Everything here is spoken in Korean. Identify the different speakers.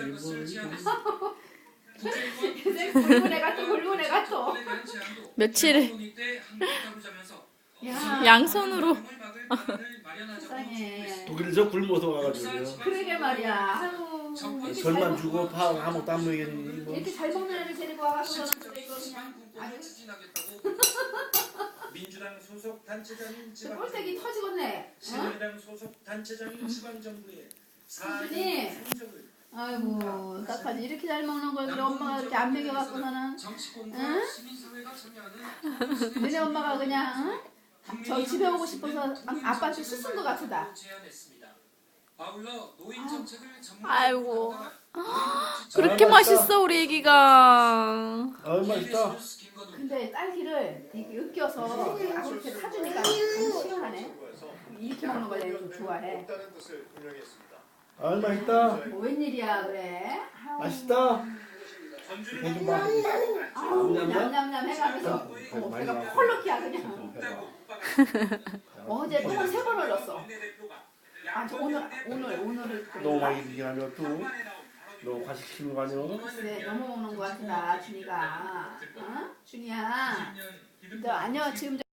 Speaker 1: 굴문에 갔어.
Speaker 2: 며칠을 양손으로.
Speaker 1: 세상에.
Speaker 3: 독일에서 굶어서 와가지고
Speaker 1: 그러게 말이야. 아유,
Speaker 3: 절만 주고 파 아무것도 안 먹이니 뭐.
Speaker 1: 이렇게 잘 먹는 애를 데리고 와가지고 저는 이거 그냥 아주
Speaker 4: 민주당 소속 단체장인 지방
Speaker 1: 꼴색이 터지겠네.
Speaker 4: 새누리당 소속 단체장인 지방정부의
Speaker 1: 수준이.
Speaker 4: 성적을
Speaker 1: 아이고 딱하지 이렇게 잘 먹는 걸 우리 엄마가 이렇게 안 먹여갖고서는 응? 너네 엄마가 그냥 응? 저 집에 오고 싶어서 아빠한테 수순 것 같다.
Speaker 2: 아이고. 그렇게 맛있어 우리 애기가.
Speaker 3: 맛있다.
Speaker 1: 근데 딸기를 이렇게 으깨서 이렇게 사주니까 너무 시원하네. 이렇게 먹는 걸 내가 좀 좋아해.
Speaker 3: 맛있다.
Speaker 1: 뭐 웬일이야 그래? 아우.
Speaker 3: 맛있다.
Speaker 1: 아우 냠냠냠 해가면서 배가 펄럭이야 그냥. 어제 똥을 3번 흘렸어. 아, 저 오늘을
Speaker 3: 너무 많이 얘기하면 너 과식시키는 거 아니야?
Speaker 1: 글쎄 너무 먹는 거 같다 준이가. 어? 준이야. 너 아니야 지금